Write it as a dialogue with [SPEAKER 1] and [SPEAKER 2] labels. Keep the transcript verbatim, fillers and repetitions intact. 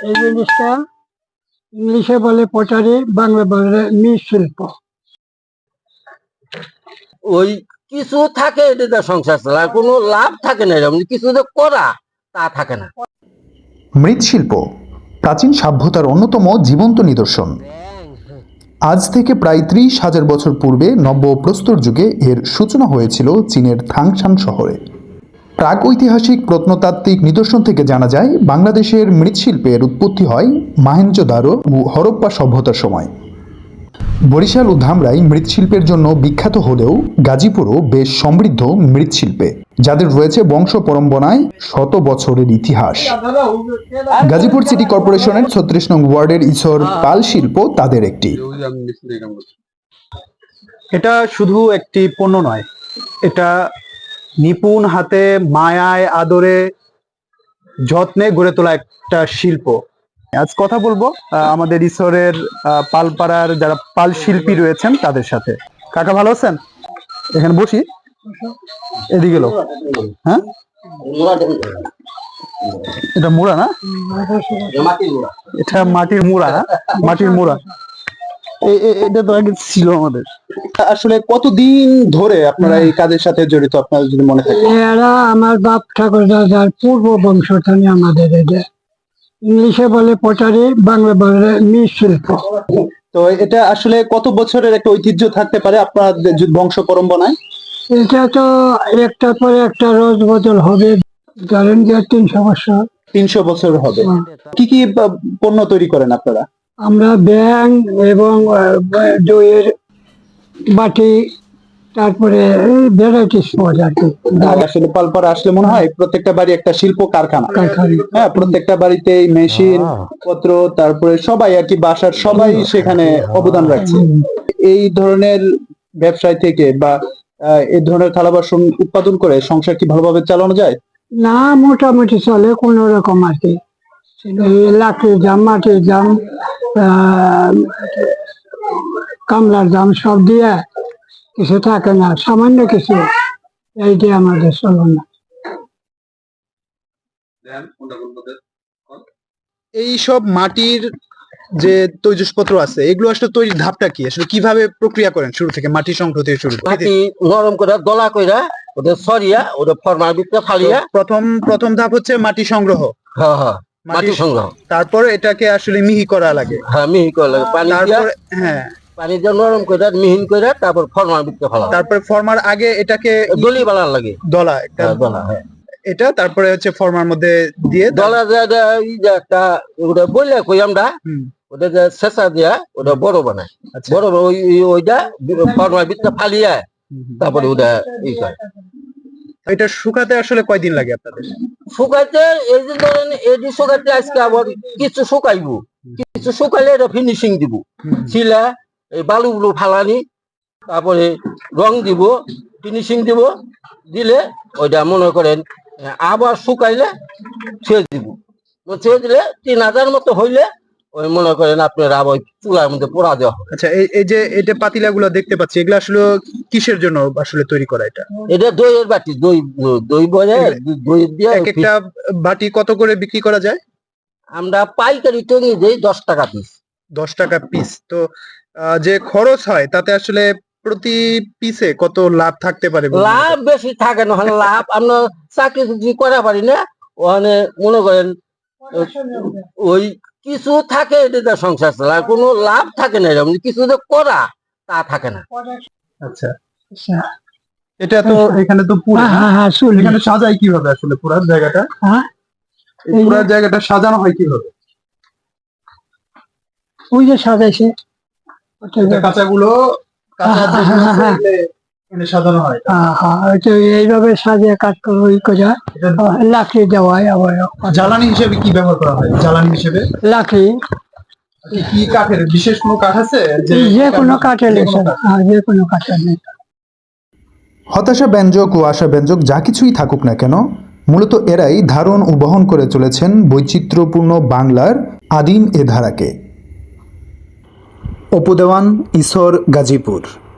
[SPEAKER 1] এই জিনিসটা ইংলিশে বলে পটারি, বাংলা বলে মৃৎশিল্প।
[SPEAKER 2] ওই কিছু থাকে এটা সংসার চালার কোনো লাভ থাকে না, এরকম কিছু যে করা তা থাকে না।
[SPEAKER 3] মৃৎশিল্প প্রাচীন সভ্যতার অন্যতম জীবন্ত নিদর্শন। আজ থেকে প্রায় ত্রিশ হাজার বছর পূর্বে নব্য প্রস্তর যুগে এর সূচনা হয়েছিল চীনের থাংশান শহরে। প্রাগৈতিহাসিক প্রত্নতাত্ত্বিক নিদর্শন থেকে জানা যায় বাংলাদেশের মৃৎশিল্পের উৎপত্তি হয় মহেঞ্জোদারো ও হরপ্পা সভ্যতার সময়। বরিশাল ও ধামরাই মৃৎশিল্পের জন্য বিখ্যাত হলেও গাজীপুরও বেশ সমৃদ্ধ মৃৎশিল্পে, যাদের রয়েছে বংশ পরম্পরায় শত বছরের ইতিহাস। গাজীপুর সিটি কর্পোরেশনের ছত্রিশ নং ওয়ার্ডের ইসর পাল শিল্প তাদের একটি।
[SPEAKER 4] এটা শুধু একটি পণ্য নয়, এটা নিপুণ হাতে মায়ায় আদরে যত্নে গড়ে তোলা একটা শিল্প। আজ কথা বলবো আমাদের ইসরের পালপাড়ার যারা পাল শিল্পী রয়েছেন তাদের সাথে। কাকা ভালো আছেন? এখানে বসি, এদিকে লোক। হ্যাঁ, এটা মুড়া না? এটা মাটির মুড়া, মাটির মুড়া। এটা তো আগে ছিল আমাদের। আসলে কতদিন ধরে আপনারা এই কাজের সাথে জড়িত, আপনার যদি মনে থাকে?
[SPEAKER 1] এরা আমার বাপ ঠাকুর দাদার পূর্ব বংশধনী আমাদের। এটা ইংলিশে বলে পটারি, বাংলা বলে মৃৎশিল্প।
[SPEAKER 4] তো এটা আসলে কত বছরের একটা ঐতিহ্য থাকতে পারে আপনার বংশ পরম্পরায়?
[SPEAKER 1] এটা তো একটার পরে একটা রোজ বদল হবে, ধরেন যে তিনশো বছর
[SPEAKER 4] তিনশো বছর হবে। কি কি পণ্য তৈরি করেন আপনারা?
[SPEAKER 1] আমরা ব্যাং এবং দইয়ের বাটি, তারপরে ভ্যারাইটিস পাওয়া যায়।
[SPEAKER 4] আসলে পালপাড়া আসলে মনে হয় প্রত্যেকটা বাড়ি একটা শিল্প কারখানা। হ্যাঁ, প্রত্যেকটা বাড়িতে মেশিন পত্র, তারপরে সবাই আর কি বাসার সবাই সেখানে অবদান রাখছে। এই ধরনের ব্যবসায় থেকে বা এই ধরনের থালা বাসন উৎপাদন করে সংসার কি ভালোভাবে চালানো যায়?
[SPEAKER 1] না, মোটামুটি চলে কোন রকম আর কি। লাকড়ির দাম, মাটির দাম, কামলার দাম সব দিয়ে কিছু থাকে না, সামান্য কিছু এইটি আমাদের চলো না।
[SPEAKER 4] এই সব মাটির যে তৈজসপত্র আছে এগুলো আসলে তৈরির ধাপটা কি, আসলে কিভাবে প্রক্রিয়া করেন শুরু থেকে, মাটি সংগ্রহ থেকে শুরু করে?
[SPEAKER 2] মাটি নরম করে দলা কইরা ওটা সরিয়া ওটা ফরমার ভিতরে ফালিয়া
[SPEAKER 4] প্রথম প্রথম ধাপ হচ্ছে মাটি সংগ্রহ।
[SPEAKER 2] হ্যাঁ হ্যাঁ, মাটি সংগ্রহ।
[SPEAKER 4] তারপর এটাকে আসলে মিহি করা লাগে।
[SPEAKER 2] হ্যাঁ, মিহি করা লাগে পানি দিয়া।
[SPEAKER 4] হ্যাঁ,
[SPEAKER 2] পানি দিয়ে নরম করে মিহিন করে তারপর ফরমার ভিতরে ফেলা।
[SPEAKER 4] তারপর ফরমার আগে এটাকে
[SPEAKER 2] দলি বানার লাগে,
[SPEAKER 4] দলা একটা
[SPEAKER 2] দলা। হ্যাঁ,
[SPEAKER 4] এটা তারপরে হচ্ছে ফরমার মধ্যে দিয়ে
[SPEAKER 2] দলা দেয়া একটা ওটা বললে কই আমরা ওটা যে শেষা দিয়া ওটা বড় বানায়। বড় ওই ওইটা ফরমার ভিতরে ফালিয়া তারপরে ওটা ই করে।
[SPEAKER 4] এটা শুকাতে আসলে কয়দিন লাগে আপনাদের?
[SPEAKER 2] শুকাইতে এই যে ধরেন এটি শুকাইতে আজকে আবার কিছু শুকাইবো, কিছু শুকাইলে এটা ফিনিশিং দিব, ছিলা এই বালুগুলো ফালানি, তারপরে রং দিব, ফিনিশিং দিব, দিলে ওইটা মনে করেন আবার শুকাইলে ছেড়ে দিব। ছেড়ে দিলে তিন হাজার মতো হইলে ওই মনে করেন আপনার আবার চুলার মধ্যে পোড়া দেওয়া।
[SPEAKER 4] আচ্ছা, এই যে এটা পাতিলা গুলো দেখতে পাচ্ছি, এগুলো আসলে কিসের জন্য আসলে তৈরি করা? এটা
[SPEAKER 2] এটা দইয়ের বাটি, দই দই বলে দই দিয়ে।
[SPEAKER 4] এক একটা বাটি কত করে বিক্রি করা যায়?
[SPEAKER 2] আমরা পাইকারি টঙ্গি দেই দশ টাকা পিস।
[SPEAKER 4] দশ টাকা পিস। তো যে খরচ হয় তাতে আসলে প্রতি পিসে কত লাভ থাকতে পারে?
[SPEAKER 2] লাভ বেশি থাকে না, লাভ আমরা চাকরি যদি করা পারি না, ওখানে মনে করেন ওই কিছু থাকে এটা সংসার চালার কোনো লাভ থাকে না, এরকম কিছু যে করা তা থাকে না।
[SPEAKER 4] আচ্ছা, এটা তো এখানে তো পুরো এখানে সাজাই কিভাবে আসলে পুরো জায়গাটা? হ্যাঁ, এই পুরো জায়গাটা সাজানো হয় কিভাবে?
[SPEAKER 1] ওই যে সাজাইছে
[SPEAKER 4] কাঁচাগুলো সাজানো হয়।
[SPEAKER 1] এইভাবে সাজিয়ে কাজ করে লাকড়ি দেওয়া হয়। আবার
[SPEAKER 4] জ্বালানি হিসেবে কি ব্যবহার করা হয়? জ্বালানি হিসেবে লাকড়ি। কি কাঠের বিশেষ কোনো কাঠ আছে?
[SPEAKER 1] যে কোনো কাঠের, যে কোনো কাঠের।
[SPEAKER 3] হতাশা ব্যঞ্জক ও আশা ব্যঞ্জক যা কিছুই থাকুক না কেন, মূলত এরাই ধারণ ও বহন করে চলেছেন বৈচিত্র্যপূর্ণ বাংলার আদিম এ ধারাকে। অপু দেওয়ান, ইসর, গাজীপুর।